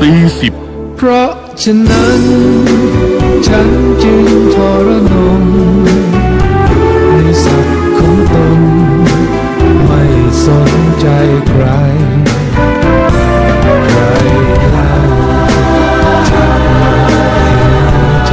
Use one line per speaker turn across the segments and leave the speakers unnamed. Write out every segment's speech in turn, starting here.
40
เพราะฉะนั้นฉันจึงทรนงในศักดิ์ของตนไม่สนใจใครใครเล่าจะมาเห็นใจ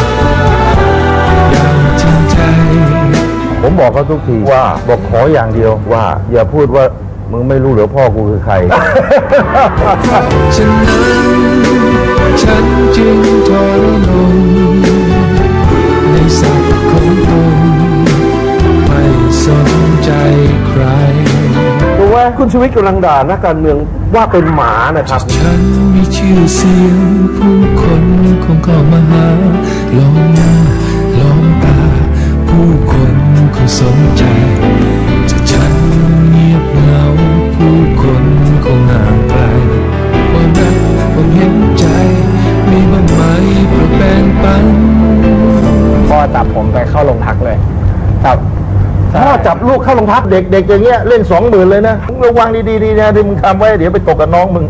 อย่างจริงใจ
ผมบอกเขาทุกทีว่าบอกขออย่างเดียวว่าอย่าพูดว่ามึงไม่รู้เหรือพ่อกูคือใคร
ฉะนั้นฉันจึงทรนงในศักดิ์ของตนไม่สนใจใคร
รู้ว่าคุณชีวิตกำลังด่านักการเมืองว่าเป็นหมานะครับ
ฉันมีชื่อเสียงผู้คนคงเข้ามาหาลองหน้าลองตาผู้คนคงสนใจจะฉันเงียบเหงาผู้คนคงห่างไกลความรักความเห็นใจมีบ้างไหมโปรดแบ่งปัน
พ่อจับผมไปเข้าโรงพักเลยครับ
พ่อจับลูกเข้าโรงพักเด็กๆอย่างเงี้ยเล่น20,000เลยนะระวังดีๆนะที่มึงทำไว้เดี๋ยวไปตกกับน้องมึง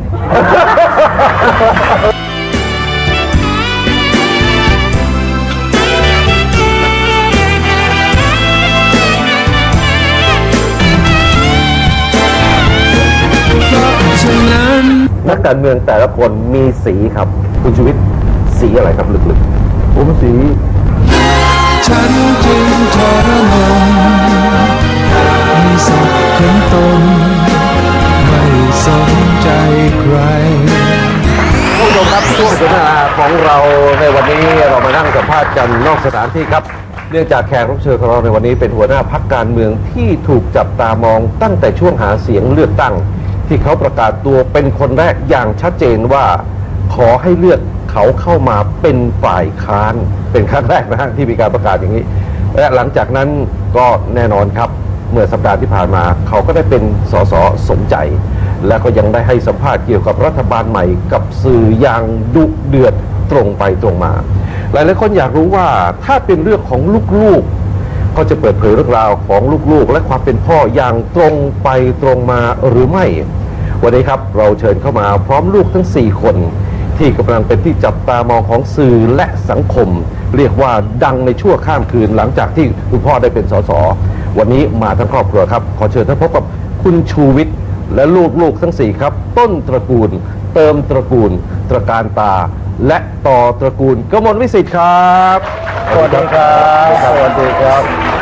นักการเมืองแต่ละคนมีสีครับคุณชีวิตสีอะไรครับลึกๆผมสี
ฉันจึงทรมานในศักดิ์ของตนไม่สนใจใคร
ผู้ชมครับช่วงสนทนาของเราในวันนี้เรามานั่งสัมภาษณ์กันนอกสถานที่ครับเนื่องจากแขกรับเชิญของเราในวันนี้เป็นหัวหน้าพรรคการเมืองที่ถูกจับตามองตั้งแต่ช่วงหาเสียงเลือกตั้งที่เขาประกาศตัวเป็นคนแรกอย่างชัดเจนว่าขอให้เลือกเขาเข้ามาเป็นฝ่ายค้านเป็นครั้งแรกนะฮะที่มีการประกาศอย่างนี้และหลังจากนั้นก็แน่นอนครับเมื่อสัปดาห์ที่ผ่านมาเขาก็ได้เป็นสสสมใจและก็ยังได้ให้สัมภาษณ์เกี่ยวกับรัฐบาลใหม่กับสื่ออย่างดุเดือดตรงไปตรงมาหลายๆคนอยากรู้ว่าถ้าเป็นเรื่องของลูกๆก็จะเปิดเผยเรื่องราวของลูกๆและความเป็นพ่ออย่างตรงไปตรงมาหรือไม่วันนี้ครับเราเชิญเข้ามาพร้อมลูกทั้ง4คนที่กำลังเป็นที่จับตามองของสื่อและสังคมเรียกว่าดังในชั่วข้ามคืนหลังจากที่คุณพ่อได้เป็นสสวันนี้มาทั้งครอบครัวครับขอเชิญท่านพบกับคุณชูวิทย์และลูกๆทั้ง4ครับต้นตระกูลเติมตระกูลตระการตาและต่อตระกูลกมลวิสิทธิ์ครับสวัสดีครับสวัสดีครับ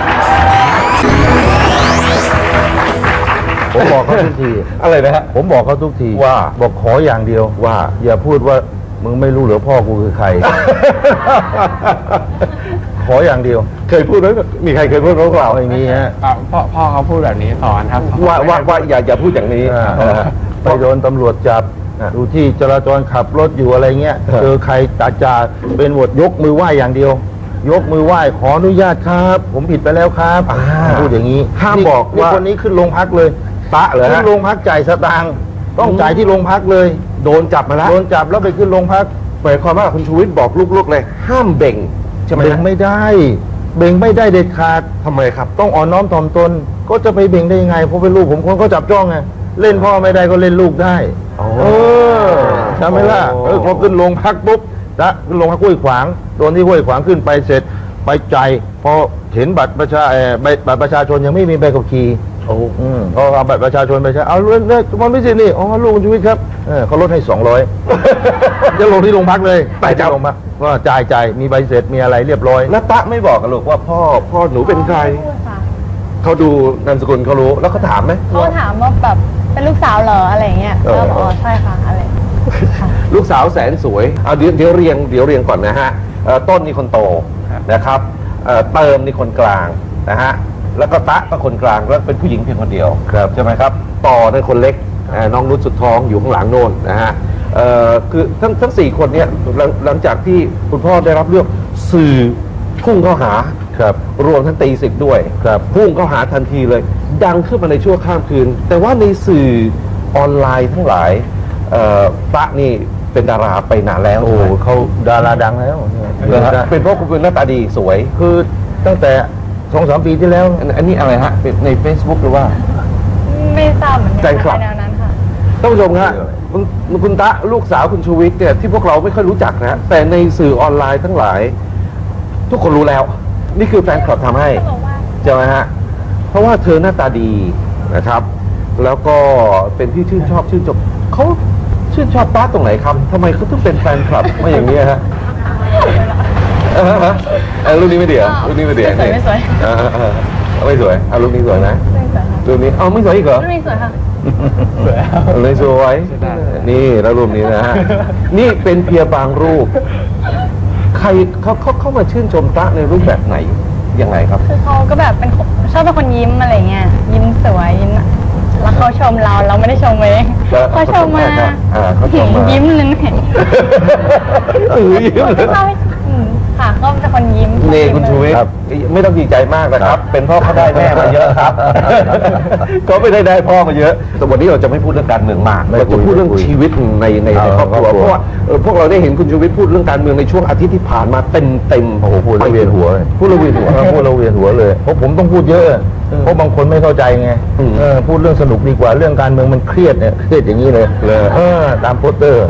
ผมบอกเขาทุกทีอะไรนะฮะผมบอกเขาทุกทีว่าบอกขออย่างเดียวว่าอย่าพูดว่ามึงไม่รู้เหรือพ่อกูคือใคร ขออย่างเดียวเคยพูดไหมมีใครเคยพูดเราไม่มีฮะ
พ่อเขาพูดแบบนี้สอนครับ
ว่าอย่าพูดอย่างนี้ไปโดนตำรวจจับดูที่จราจรขับรถอยู่อะไรเงี้ยเจอใครจ่าเป็นหมดยกมือไหว้อย่างเดียวยกมือไหว้ขออนุญาตครับผมผิดไปแล้วครับพูดอย่างนี้ห้ามบอกว่าคนนี้ขึ้นโรงพักเลยตะเลยขึ้นโรงพักจ่ายสตางค์ต้องจ่ายที่โรงพักเลยโดนจับมาแล้วโดนจับแล้วไปขึ้นโรงพักหมายความว่าคุณชูวิทย์บอกลูกๆเลยห้ามเบ่งใช่ไหมเบ่งไม่ได้เบ่งไม่ได้เด็ดขาดทำไมครับต้องอ่อนน้อมถ่อมตนก็จะไปเบ่งได้ยังไงเพราะเป็นลูกผมคนก็จับจ้องไงเล่นพ่อไม่ได้ก็เล่นลูกได้ใช่ไหมล่ะพอขึ้นโรงพักปุ๊บจะขึ้นโรงพักห้วยขวางโดนที่ห้วยขวางขึ้นไปเสร็จไปจ่ายพอเห็นบัตรประชาชนยังไม่มีใบขับขี่ก็เอาบัตรประชาชนไปใช้เอาเรื่องมันไม่ใช่นี่ลูกคุณชีวิตครับเขาลดให้200จะลงที่โรงพักเลยไปจับลงมาว่าจ่ายมีใบเสร็จมีอะไรเรียบร้อยแล้วตะไม่บอกกันลูกว่าพ่อหนูเป็นใครเขาดูนามสกุลเขารู้แล้วเขาถามไหม
เขาถามว่าแบบเป็นลูกสาวเหรออะไรเงี้ยก็บอกใช่ค่ะอะไร
ลูกสาวแสนสวยเอาเดี๋ยวเรียงก่อนนะฮะต้นนี่คนโตนะครับเติมนี่คนกลางนะฮะแล้วก็ตะก็คนกลางแล้วเป็นผู้หญิงเพียงคนเดียวใช่ไหมครับต่อในคนเล็กน้องนุชสุดท้องอยู่ข้างหลังโน่นนะฮะคือทั้ง4คนเนี่ยหลังจากที่คุณพ่อได้รับเลือกสื่อพุ่งเข้าหารวมทั้งตีสิบด้วยพุ่งเข้าหาทันทีเลยดังขึ้นมาในชั่วข้ามคืนแต่ว่าในสื่อออนไลน์ทั้งหลายตะนี่เป็นดาราไปนานแล้วโอ้เขาดาราดังแล้วเป็นเพราะคุณเป็นหน้าตาดีสวยคือตั้งแต่2-3 ปีที่แล้วอันนี้อะไรฮะใน Facebook หรือว่า
ไม่ทราบเหมือนกันแนวนั้นค่ะ
ท่านผู้ชมฮะคุณตะลูกสาวคุณชูวิทย์เนี่ยที่พวกเราไม่ค่อยรู้จักนะแต่ในสื่อออนไลน์ทั้งหลาย ทุกคนรู้แล้ว นี่คือแฟนคลับทำให้ใช่ไหมฮะเพราะว่าเธอหน้าตาดีนะครับ แล้วก็เป็นที่ชื่นชอบชื่นชมเขาชื่นชอบตาตรงไหนครับทำไมเขาต้องเป็นแฟนคลับมาอย่างนี้ฮะรูปนี้ไม่เดี่ยวรูปนี้ไม่เดี่ยว
ไม่สวย
ไม่สวยรูปนี้สวยนะ
ไม่สวยค่ะ
รูปนี้ไม่สวยอีกเหรอ
ไม่สวยค่ะ
เลยสวยนี่แล้วรูปนี้นะฮะนี่เป็นเพียงบางรูป ใครเขามาชื่นชมตะในรูปแบบไหนยังไงครับ
คือเขาก็แบบเป็นคนชอบเป็นคนยิ้มอะไรเงี้ยยิ้มสวยยิ้มแล้วเขาชมเราไม่ได้ชมเองเขาชมมา
เขาชมมา
ยิ้มเลยเห็น
ยิ้มเลย
ค่ะเขาเป็นคนยิ้ม
นี่คุณชูวิทย์ไม่ต้องดีใจมากนะครับ เป็นพ่อเขาได้แม่มาเยอะครับเขาไม่ได้พ่อมาเยอะแต่วันนี้เราจะไม่พูดเรื่องการเมืองมากเราจะพูดเรื่องชีวิตในครอบครัวเพราะว่าพวกเราได้เห็นคุณชูวิทย์พูดเรื่องการเมืองในช่วงอาทิตย์ที่ผ่านมาเต็มโอ้โหพูดแล้วเวียนหัวพูดแล้วเวียนหัวเลยเพราะผมต้องพูดเยอะเพราะบางคนไม่เข้าใจไงพูดเรื่องสนุกดีกว่าเรื่องการเมืองมันเครียดเนี่ยเครียดอย่างนี้เลยตามโปสเตอร์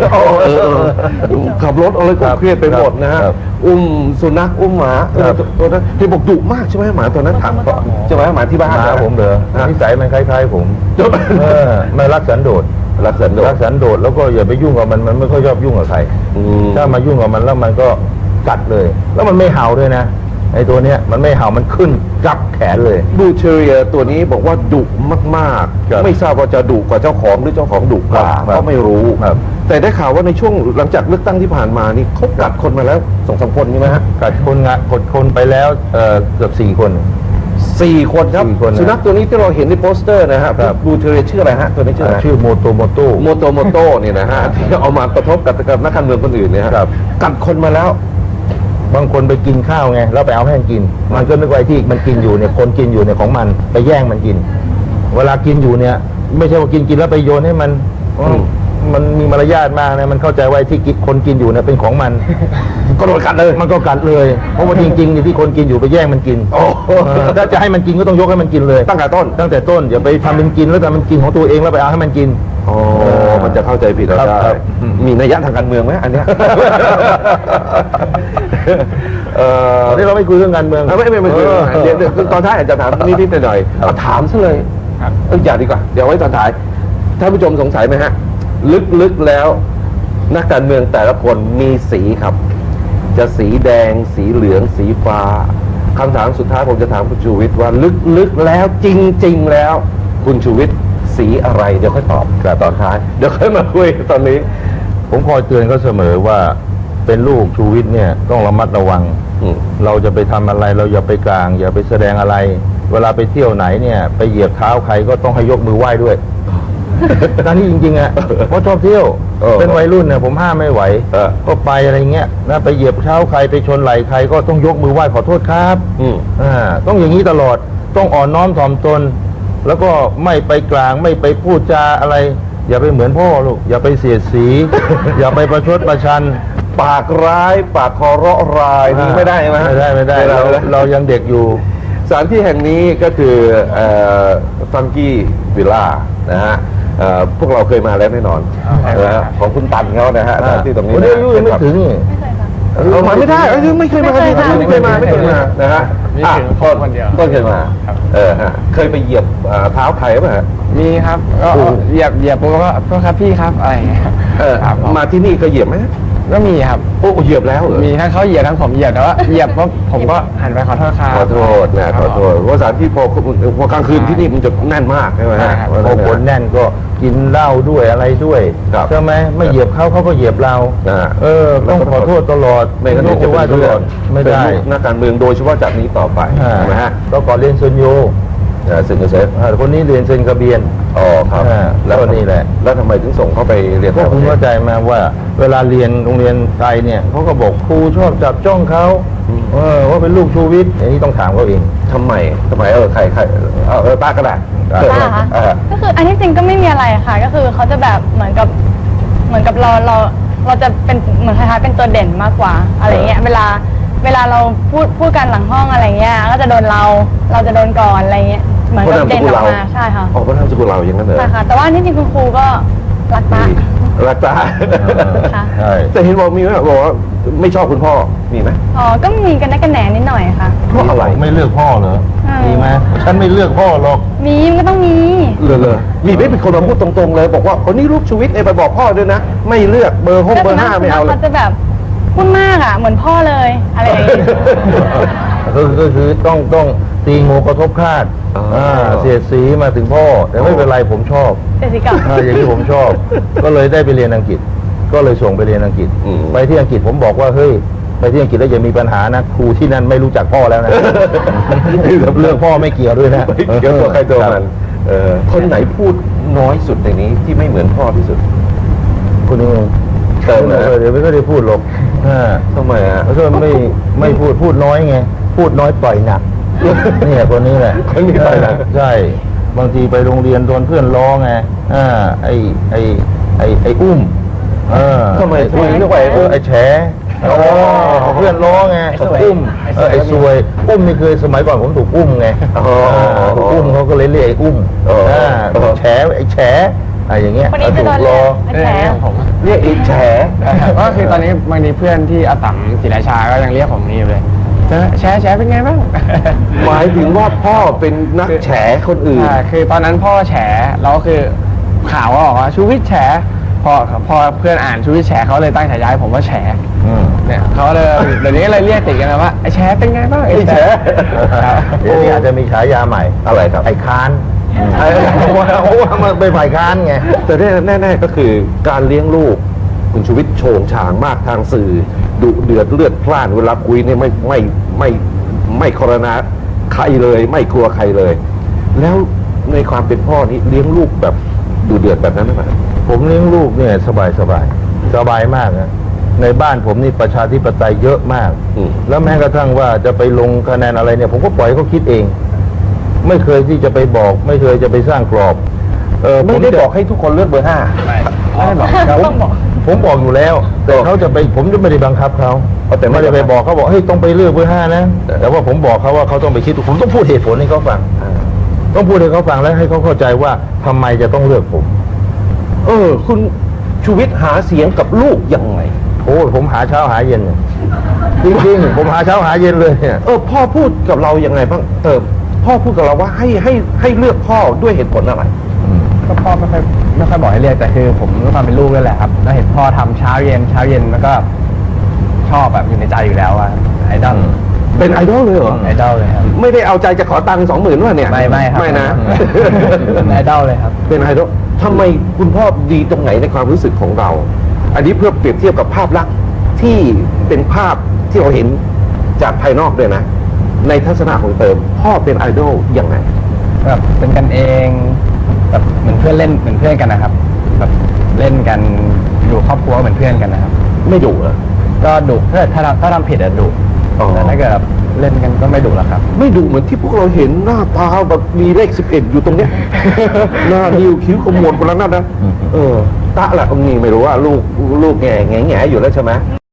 ขับรถอะไรก็เครียดไปหมดนะฮะอุ้มสุนัขอุ้มหมาตัวนั้นที่บอกดุมากใช่ไหมหมาตัวนั้นถามใช่ไหมหมาที่บ้านผมเหรอนิสัยมันคล้ายๆผมไม่รักสันโดษรักสันโดษแล้วก็อย่าไปยุ่งกับมันไม่ค่อยชอบยุ่งกับใครถ้ามายุ่งกับมันแล้วมันก็กัดเลย แล้วมันไม่เห่าด้วยนะไอ้ตัวเนี้ยมันไม่เห่ามันขึ้นจับแขนเลยบูเชอเรียตัวนี้บอกว่าดุมากๆไม่ทราบว่าจะดุกว่าเจ้าของหรือเจ้าของดุกว่าก็ไม่รู้แต่ได้ข่าวว่าในช่วงหลังจากเลือกตั้งที่ผ่านมานี่เขากัดคนมาแล้ว2-3 คนใช่ไหมฮะกัดคนไปแล้วเกือบ4 คนครับสุนัขตัวนี้ที่เราเห็นในโปสเตอร์นะฮะบูเชอเรียชื่ออะไรฮะตัวนี้ชื่อโมโตโมโต้เนี่ยนะฮะที่เอามากระทบกับนักการเมืองคนอื่นเนี่ยครับกัดคนมาแล้วบางคนไปกินข้าวไงแล้วไปเอาให้มันกินมันก็นึกว่าที่มันกินอยู่เนี่ยคนกินอยู่เนี่ยของมันไปแย่งมันกินเวลากินอยู่เนี่ยไม่ใช่ว่ากินแล้วไปโยนให้มันมันมีมารยาทมากนะมันเข้าใจว่าที่คนกินอยู่เนี่ยเป็นของมันก็โดนกัดเลยมันก็กัดเลยเพราะว่าจริงๆเนี่ยที่คนกินอยู่ไปแย่งมันกินถ้าจะให้มันกินก็ต้องยกให้มันกินเลยตั้งแต่ต้นอย่าไปทำมันกินแล้วแต่มันกินของตัวเองแล้วไปเอาให้มันกินมันจะเข้าใจผิดเราได้มีนัยยะทางการเมืองไหมอันเนี้ยนี่เราไม่คุยเรื่องการเมืองไม่คุยเดี๋ยวตอนท้ายอาจจะถามนิดๆหน่อยๆถามซะเลยอย่าดีกว่าเดี๋ยวไว้ตอนท้ายท่านผู้ชมสงสัยไหมฮะลึกๆแล้วนักการเมืองแต่ละคนมีสีครับจะสีแดงสีเหลืองสีฟ้าคำถามสุดท้ายผมจะถามคุณชูวิทย์ว่าลึกๆแล้วจริงๆแล้วคุณชูวิทย์สีอะไรเดี๋ยวค่อยตอบแต่ตอนท้ายเดี๋ยวค่อยมาคุยตอนนี้ผมคอยเตือนเขาเสมอว่าเป็นลูกชูวิทย์เนี่ยต้องระมัดระวังเราจะไปทำอะไรเราอย่าไปกลางอย่าไปแสดงอะไรเวลาไปเที่ยวไหนเนี่ยไปเหยียบเท้าใครก็ต้องให้ยกมือไหว้ด้วยนั่นนี่จริงๆอ่ะเพราะชอบเที่ยวเป็นวัยรุ่นเนี่ยผมห้ามไม่ไหวก็ไปอะไรเงี้ยนะไปเหยียบเท้าใครไปชนไหล่ใครก็ต้องยกมือไหว้ขอโทษครับต้องอย่างนี้ตลอดต้องอ่อนน้อมถ่อมตนแล้วก็ไม่ไปกลางไม่ไปพูดจาอะไรอย่าไปเหมือนพ่อลูกอย่าไปเสียดสี อย่าไปประชดประชันปากร้ายปากคอเราะรายนี่ไม่ได้ไหมไม่ได้เรายังเด็กอยู่สถานที่แห่งนี้ก็คือฟังกี้วิลล่านะฮะพวกเราเคยมาแล้วแน่นอนของคุณตันเขานะฮะที่ตรงนี้นะไม่ถึงเรามาไม่ได้ไม่เคยมาไม่เคยมานะฮะต้นเคยมาเคยไปเหยียบเท้าใครป่ะฮะ
มีครับก็เหยียบผมก็โทษครับพี่ครับอะไรอย่างเงี้ย
มาที่นี่เคยเหยียบไหม
ก็มีครับ
โอ้เหยียบแล้ว
มีทั้งเขาเหยียบทั้งผมเหยียบแต่ว่าเหยียบปุ๊บผมก็หันไปขอโทษครับ
ขอโทษนะขอโทษเพราะสถานที่พอกลางคืนที่นี่มันจะแน่นมากใช่ไหมฮะพอคนแน่นก็กินเหล้าด้วยอะไรด้วยใช่ไหมไม่เหยียบเขาก็เหยียบเราต้องขอโทษตลอดไม่งั้นจะว่าตลอดไม่ได้นักการเมืองโดยเฉพาะจากนี้ต่อไปใช่ไหมฮะก็ก่อนเรียนเซนโยเซนเซฟคนนี้เรียนเซนกระเบียนครับแล้วนี่แหละแล้วทำไมถึงส่งเขาไปเรียนก็คุณเข้าใจมาว่าเวลาเรียนโรงเรียนไทยเนี่ยเขาก็บอกครูชอบจับจ้องเขาว่าเป็นลูกชูวิทย์อันนี้ต้องถามเขาเองทำไมใครป้าก็ได้
ป้าค่ะก็คืออันที่จริงก็ไม่มีอะไรค่ะก็คือเขาจะแบบเหมือนกับเราจะเป็นเหมือนคล้ายๆเป็นตัวเด่นมากกว่าอะไรเงี้ยเวลาเราพูดกันหลังห้องอะไรเงี้ยก็จะโดนเราจะโดนก่อนอะไรเงี้ยเหมือนกับเด่นออกมาใช่ค่ะ
เพราะนามสกุลเราอย่างนั้นเลย
ใช่ค่ะแต่ว่าที่จริงคุณครูก็รักป้า
รักตา
ค่ะ
ใช่
แต่เห็นบอกมีไหมบอกว่าไม่ชอบคุณพ่อมีไหม
อ๋อก็มีกันได้กันแหนนิดหน่อยค่ะ
เพราะอะไร
ไม่เลือกพ่อเหรอ
อืม
มีไหมฉันไม่เลือกพ่อหรอก
มีมันก็ต้องมี
เลยมีไม่เป็นคนมาพูดตรงๆเลย บอกว่าคนนี้ลูกชีวิตไปบอกพ่อด้วยนะ ไม่เลือกเบอร์ห้องเบอร์ห้าไม่เอาเลย
เขาจะแบบพูดมากอ่ะเหมือนพ่อเลยอะไรอย่างเงี้ย
ก็คือต้องตีงูกระทบคาด
อ๋ออ่
เสียดสีมาถึงพ่อ แต่ไม่เป็นไรผมชอบ
แต่สิกับ
อย่างที่ผมชอบ ก็เลยได้ไปเรียนอังกฤษ ก็เลยส่งไปเรียนอังกฤษ
อืม
ไปที่อังกฤษผมบอกว่าเฮ้ยไปที่อังกฤษแล้วอย่ามีปัญหานะครูที่นั่นไม่รู้จักพ่อแล้วนะ เรื่องพ่อไม่เกี่ยวด้วยนะ
เกี่ยวกับใครตัวมัน
บ
คนไหนพูดน้อยสุดในนี้ที่ไม่เหมือนพ่อที่สุด
คนนี้
เติมนะ
เดี๋ยวไม่ได้พูดหรอก
ทำไมอ่ะ
เพราะว่าไม่พูดน้อยไง พูดน้อยปล่อยหนัก เนี่ยคนนี้แหละ
คนนี้ปล่อยหนัก
ใช่ บางทีไปโรงเรียนโดนเพื่อนล้อไงไอ้อุ้ม
ทำไม
ไอ้
เรียกว่าไอ้อุ้ม
ไอ้แฉเพื่อนล้อไงอุ้มไอ้ซวยอุ้มนี่คือสมัยก่อนผมถูกอุ้มไง
อ๋อ
ถูกอุ้มเขาก็เลยเรียกไอ้อุ้ม
อ๋อ
แฉไอ้แฉอะไรอย่างเงี้ย
คนนี้จะโดน
ล้อ
แฉ
ผม
เรียกไอ้แฉ
ก็คือตอนนี้บางทีเพื่อนที่อาตัมศรีราชาก็ยังเรียกผมนี่อยู่เลยแชร์เป็นไงบ้าง
หมายถึงว่าพ่อเป็นนักแฉคนอื่น
คือตอนนั้นพ่อแฉแล้วคือข่าวก็บอกว่าชูวิทย์แฉพอเพื่อนอ่านชูวิทย์แฉเขาเลยตั้งฉายาให้ผมว่าแฉ เนี่ยเขาเลยเดี๋ยวนี้ก็เลยเรียกติดกันนะว่าไอ้แฉเป็นไงบ้างไอ้แฉ
เดี๋ยวนี้อาจจะมีฉายาใหม่
อะไรครับ
ไอ้ค้านเพราะว่ามันเป็นฝ่ายค้านไง
แต่แน่ๆก็คือการเลี้ยงลูกคุณชูวิทย์โฉงฉางมากทางสื่อดุเดือดเลือดพล่านเวลาคุยเนี่ยไม่คอรณาใครเลย ไม่กลัวใครเลย แล้วในความเป็นพ่อนี้เลี้ยงลูกแบบดุเดือดแบบนั้นไหม
ผมเลี้ยงลูกเนี่ยสบายมากนะในบ้านผมนี่ประชาธิปไตยเยอะมาก แล้วแม้กระทั่งว่าจะไปลงคะแนนอะไรเนี่ย ผมก็ปล่อยให้เขาคิดเอง ไม่เคยที่จะไปบอก ไม่เคยจะไปสร้างกรอบ
ไม่ได้บอกให้ทุกคนเลือกเบอร์ห้า
ไม่ได้บอกครับ
ต้องบอก
ผมบอกอยู่แล้ว แต่เขาจะไปผมจะไม่ได้บังคับเขาแต่ไม่ได้ไปบอกเขาบอกเฮ้ยต้องไปเลือกเบอร์ห้านะแต่ว่าผมบอกเขาว่าเขาต้องไปคิดผมต้องพูดเหตุผลให้เขาฟัง ต้องพูดให้เขาฟังแล้วให้เขาเข้าใจว่าทำไมจะต้องเลือกผม
คุณชูวิทย์หาเสียงกับลูกยังไง
โอ้ผมหาเช้าหาเย็นเนี่ยจริงๆผมหาเช้าหาเย็นเลยเนี่ย
พ่อพูดกับเรายังไงบ้างพ่อพูดกับเราว่าให้เลือกพ่อด้วยเหตุผลอะไร
ก็พ่อไม่ค่อยบอกให้เรียกแต่คือผมด้วยความเป็นลูกด้วยแหละครับแล้วเห็นพ่อทำเช้าเย็นแล้วก็ชอบแบบอยู่ในใจอยู่แล้วอะไอดอล
เป็นไอดอลเลยเหรอ
ไอดอลเลยครับ
ไม่ได้เอาใจจะขอตังค์20,000ว่าเนี่ย
ไม่ครับ
ไม่นะ
เป็นไอดอลเลยครับ
เป็นไอดอลทำไมคุณพ่อดีตรงไหนในความรู้สึกของเรา อันนี้เพื่อเปรียบเทียบกับภาพลักษณ์ที่เป็นภาพที่เราเห็นจากภายนอกด้วยนะ ในทัศนะของเติม พ่อเป็นไอดอลยังไง
แบบเป็นกันเองแบบเหมือนเพื่อนเล่นเหมือนเพื่อนกันนะครับแบบเล่นกันอยู่ครอบครัวเหมือนเพื่อนกันนะครับ
ไม่ดุเหรอ
ก็ดุถ้าทำผิดอะดุ
อ๋อ
แต่ถ้าเกิดแบบเล่นกันก็ไม่ดุหรอกครับ
ไม่ดุเหมือนที่พวกเราเห็นหน้าตาแบบมีเลข11อยู่ตรงเนี้ย หน้านิ้วคิ้วขมวดคนละนั่นนะตะละนี่ไม่รู้ว่าลูกแง่อยู่แล้วใช่ไหม